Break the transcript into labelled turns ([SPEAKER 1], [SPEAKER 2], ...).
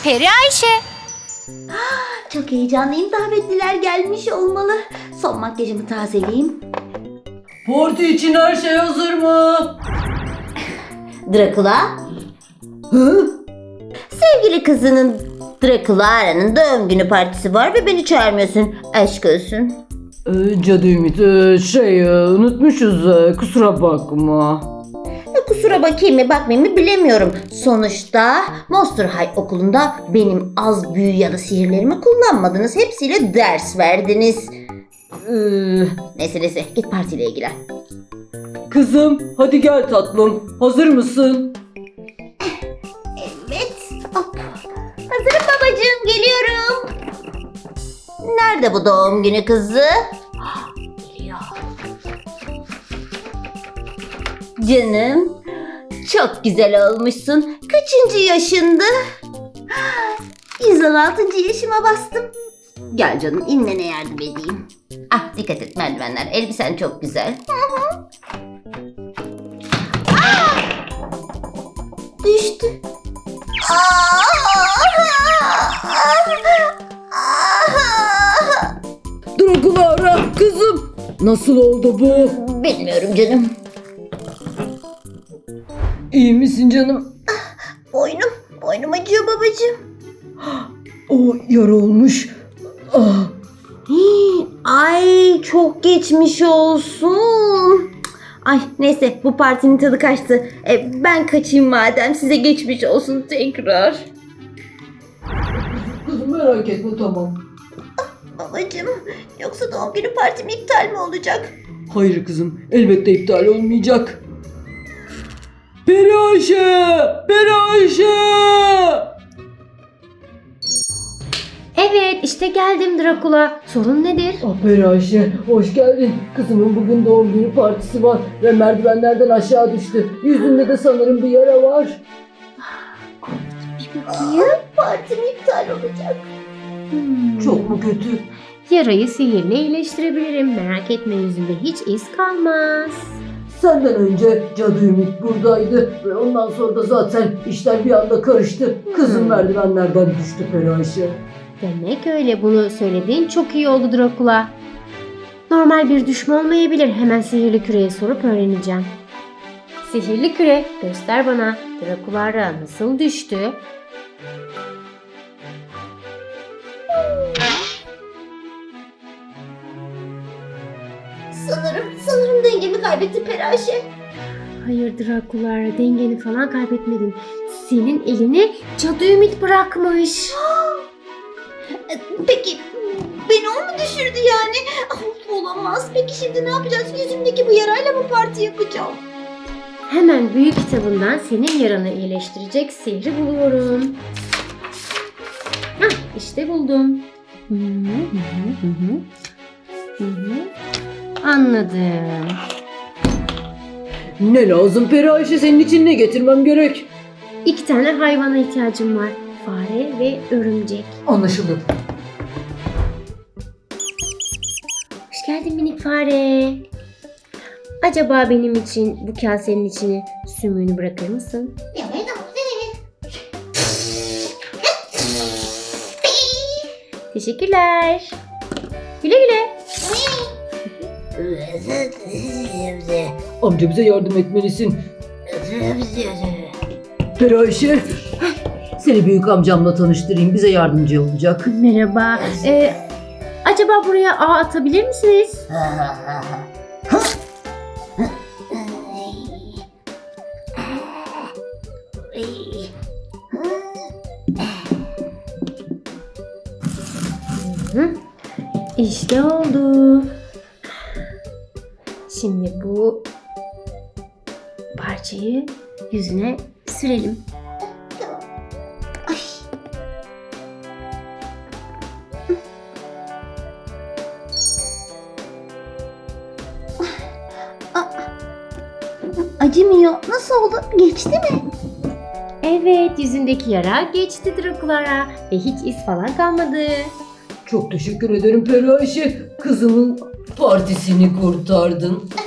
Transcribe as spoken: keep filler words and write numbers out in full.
[SPEAKER 1] Peri Ayşe.
[SPEAKER 2] Çok heyecanlıyım. Davetliler gelmiş olmalı. Son makyajımı tazeleyeyim.
[SPEAKER 3] Parti için her şey hazır mı?
[SPEAKER 2] Drakula.
[SPEAKER 3] Hı?
[SPEAKER 2] Sevgili kızının Drakulara'nın doğum günü partisi var ve beni çağırmıyorsun. Aşk olsun.
[SPEAKER 3] Ee, Cadı Ümit, ee, şey ee, unutmuşuz, ee, kusura bakma.
[SPEAKER 2] E, kusura bakayım mı bakmayayım mı bilemiyorum. Sonuçta Monster High okulunda benim az büyü ya da sihirlerimi kullanmadınız. Hepsiyle ders verdiniz.
[SPEAKER 3] Ee,
[SPEAKER 2] Neyse neyse git partiyle ilgilen.
[SPEAKER 3] kızım hadi gel tatlım, hazır mısın?
[SPEAKER 2] Evet. Hop. Hazırım babacığım, geliyorum. Nerede bu doğum günü kızı? Ah, geliyor. Canım, çok güzel olmuşsun. Kaçıncı yaşında? yüz on altıncı yaşıma bastım. Gel canım, inmene yardım edeyim. Ah, dikkat et merdivenler. Elbisen çok güzel. Ah! Düştü.
[SPEAKER 3] Drakulara kızım, nasıl oldu bu?
[SPEAKER 2] Bilmiyorum canım.
[SPEAKER 3] İyi misin canım?
[SPEAKER 2] Boynum, boynum acıyor babacığım.
[SPEAKER 3] O yara olmuş. Ah.
[SPEAKER 2] Hii, ay çok geçmiş olsun. Ay neyse bu partinin tadı kaçtı. E, ben kaçayım madem, size geçmiş olsun tekrar.
[SPEAKER 3] Kızım merak etme, tamam.
[SPEAKER 2] Babacığım, yoksa doğum günü partim iptal mi olacak?
[SPEAKER 3] Hayır kızım, elbette iptal olmayacak. Peri Ayşe! Peri Ayşe!
[SPEAKER 1] Evet, işte geldim Drakula. Sorun nedir?
[SPEAKER 3] Ah Peri Ayşe, hoş geldin. Kızımın bugün doğum günü partisi var ve merdivenlerden aşağı düştü. Yüzünde de sanırım bir yara var.
[SPEAKER 1] Bir bakayım.
[SPEAKER 2] Partim iptal olacak.
[SPEAKER 1] Hmm.
[SPEAKER 3] Çok mu kötü?
[SPEAKER 1] Yarayı sihirle iyileştirebilirim. Merak etme, yüzünde hiç iz kalmaz.
[SPEAKER 3] Senden önce Cadı Ümit buradaydı ve ondan sonra da zaten işler bir anda karıştı. Kızım
[SPEAKER 1] Hmm.
[SPEAKER 3] merdivenlerden düştü Peri Ayşe.
[SPEAKER 1] Demek öyle, bunu söylediğin çok iyi oldu Drakula. Normal bir düşme olmayabilir. Hemen sihirli küreye sorup öğreneceğim. Sihirli küre, göster bana. Drakulara nasıl düştü?
[SPEAKER 2] Sanırım, sanırım dengemi kaybettim Peri Ayşe.
[SPEAKER 1] Hayır Drakulara, dengeni falan kaybetmedin. Senin elini Cadı Ümit bırakmış.
[SPEAKER 2] E, Peki beni o mu düşürdü yani? Of, olamaz. Peki şimdi ne yapacağız? Yüzümdeki bu yarayla mı parti yapacağım?
[SPEAKER 1] Hemen büyü kitabından senin yaranı iyileştirecek sihri buluyorum. Hah, işte buldum. Hı hı hı hı. Hı hı. Anladım.
[SPEAKER 3] Ne lazım Peri Ayşe, senin için ne getirmem gerek?
[SPEAKER 1] İki tane hayvana ihtiyacım var. Fare ve örümcek.
[SPEAKER 3] Anlaşıldı.
[SPEAKER 1] Hoş geldin minik fare. Acaba benim için bu kasenin içine sümüğünü bırakır mısın? Teşekkürler. Güle güle.
[SPEAKER 3] Amca bize yardım etmelisin. Peri Ayşe, seni büyük amcamla tanıştırayım, bize yardımcı olacak.
[SPEAKER 1] Merhaba. Ee, acaba buraya ağ atabilir misiniz? Hı. İşte oldu. Şimdi bu parçayı yüzüne sürelim.
[SPEAKER 2] Acımıyor. Nasıl oldu? Geçti mi?
[SPEAKER 1] Evet, yüzündeki yara geçti Drakulara ve hiç iz falan kalmadı.
[SPEAKER 3] Çok teşekkür ederim Peri Ayşe. Kızımın partisini kurtardın.